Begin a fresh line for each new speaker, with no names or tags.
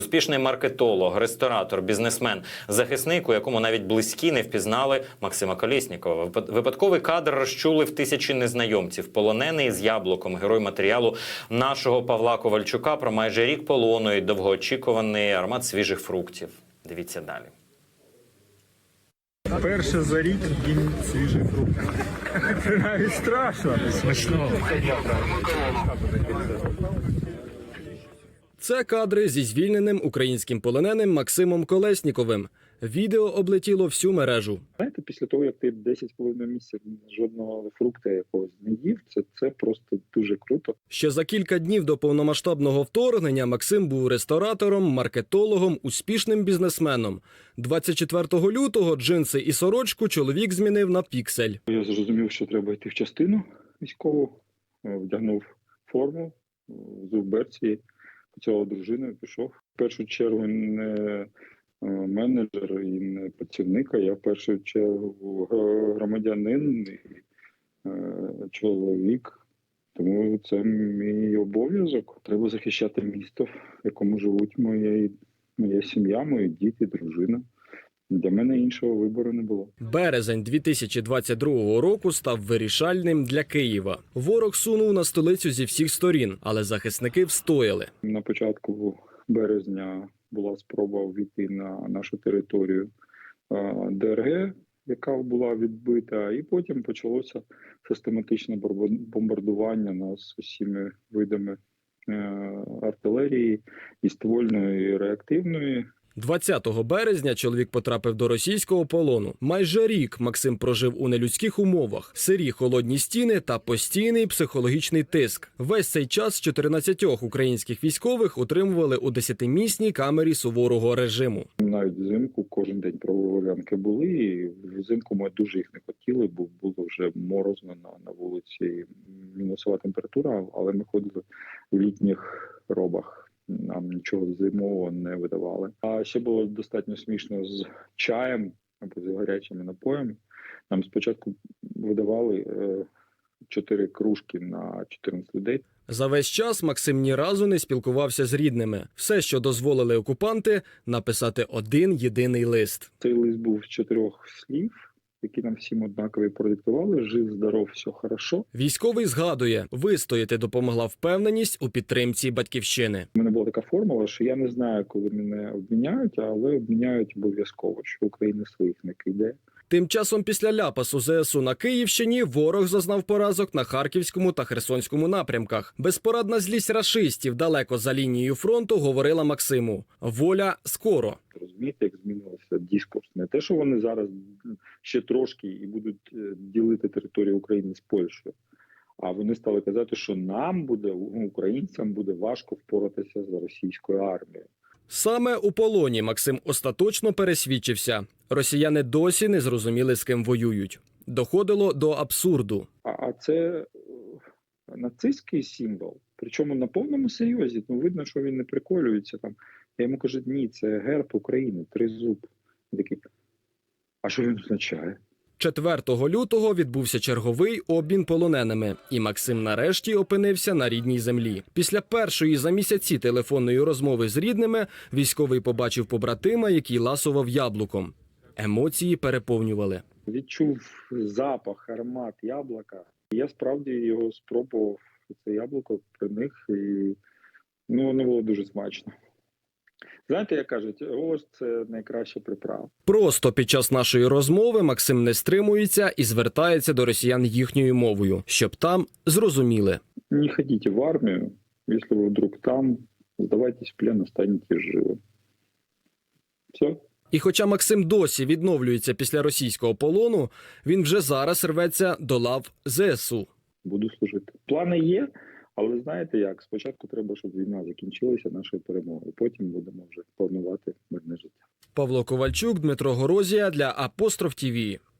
успішний маркетолог, ресторатор, бізнесмен, захисник, у якому навіть близькі не впізнали Максима Колєснікова. Випадковий кадр розчулив тисячі незнайомців. Полонений з яблуком, герой матеріалу нашого Павла Ковальчука про майже рік полону і довгоочікуваний аромат свіжих фруктів. Дивіться далі.
Перше за рік їм свіжий фрукт. Це навіть страшно. Смачно.
Це кадри зі звільненим українським полоненим Максимом Колєсніковим. Відео облетіло всю мережу.
Знаєте, після того, як ти 10,5 місяців жодного фрукта якогось не їв, це просто дуже круто.
Ще за кілька днів до повномасштабного вторгнення Максим був ресторатором, маркетологом, успішним бізнесменом. 24 лютого джинси і сорочку чоловік змінив на піксель.
Я зрозумів, що треба йти в частину військову, вдягнув форму, взув берці, поцілував дружину і пішов. В першу чергу не менеджер і не працівник, а я в першу чергу громадянин і чоловік. Тому це мій обов'язок. Треба захищати місто, в якому живуть моя сім'я, мої діти, дружина. Для мене іншого вибору не було.
Березень 2022 року став вирішальним для Києва. Ворог сунув на столицю зі всіх сторін, але захисники встояли.
На початку березня була спроба ввійти на нашу територію ДРГ, яка була відбита, і потім почалося систематичне бомбардування нас усіма видами артилерії, і ствольної, і реактивної.
20 березня чоловік потрапив до російського полону. Майже рік Максим прожив у нелюдських умовах. Сирі холодні стіни та постійний психологічний тиск. Весь цей час 14 українських військових утримували у 10-місній камері суворого режиму.
Навіть взимку кожен день прогулянки були, і взимку ми дуже їх не хотіли, бо було вже морозно на вулиці, мінусова температура, але ми ходили в літніх робах. Нам нічого зимового не видавали. А ще було достатньо смішно з чаєм або з гарячими напоями. Нам спочатку видавали 4 кружки на 14 людей.
За весь час Максим ні разу не спілкувався з рідними. Все, що дозволили окупанти, написати один єдиний лист.
Цей лист був з 4 слів, які нам всім однакові продиктували. Жив, здоров, все хорошо.
Військовий згадує, вистояти допомогла впевненість у підтримці батьківщини.
У мене була така формула, що я не знаю, коли мене обміняють, але обміняють обов'язково, що Україна своїх не кидає.
Тим часом після ляпасу ЗСУ на Київщині ворог зазнав поразок на Харківському та Херсонському напрямках. Безпорадна злість рашистів далеко за лінією фронту говорила Максиму. Воля скоро.
Розумієте, як змінився дискурс? Не те, що вони зараз ще трошки і будуть ділити територію України з Польщею, а вони стали казати, що нам буде, українцям буде важко впоратися з російською армією.
Саме у полоні Максим остаточно пересвідчився. Росіяни досі не зрозуміли, з ким воюють. Доходило до абсурду.
А це нацистський символ, причому на повному серйозі. Ну, видно, що він не приколюється там. Я йому кажу, ні, це герб України, тризуб. Такий, а що він означає?
4 лютого відбувся черговий обмін полоненими, і Максим нарешті опинився на рідній землі. Після першої за місяці телефонної розмови з рідними військовий побачив побратима, який ласував яблуком. Емоції переповнювали.
Відчув запах, аромат яблука. Я справді його спробував, це яблуко при них, і воно було дуже смачно. Знаєте, як кажуть, ось це найкраща приправа.
Просто під час нашої розмови Максим не стримується і звертається до росіян їхньою мовою, щоб там зрозуміли.
Не ходіть в армію, якщо ви вдруг там, здавайтесь в плен, останетесь живим. Все.
І хоча Максим досі відновлюється після російського полону, він вже зараз рветься до лав ЗСУ.
Буду служити. Плани є, але знаєте як, спочатку треба, щоб війна закінчилася нашою перемогою, потім будемо вже планувати мирне життя.
Павло Ковальчук, Дмитро Горозія для Апостроф ТІВІ.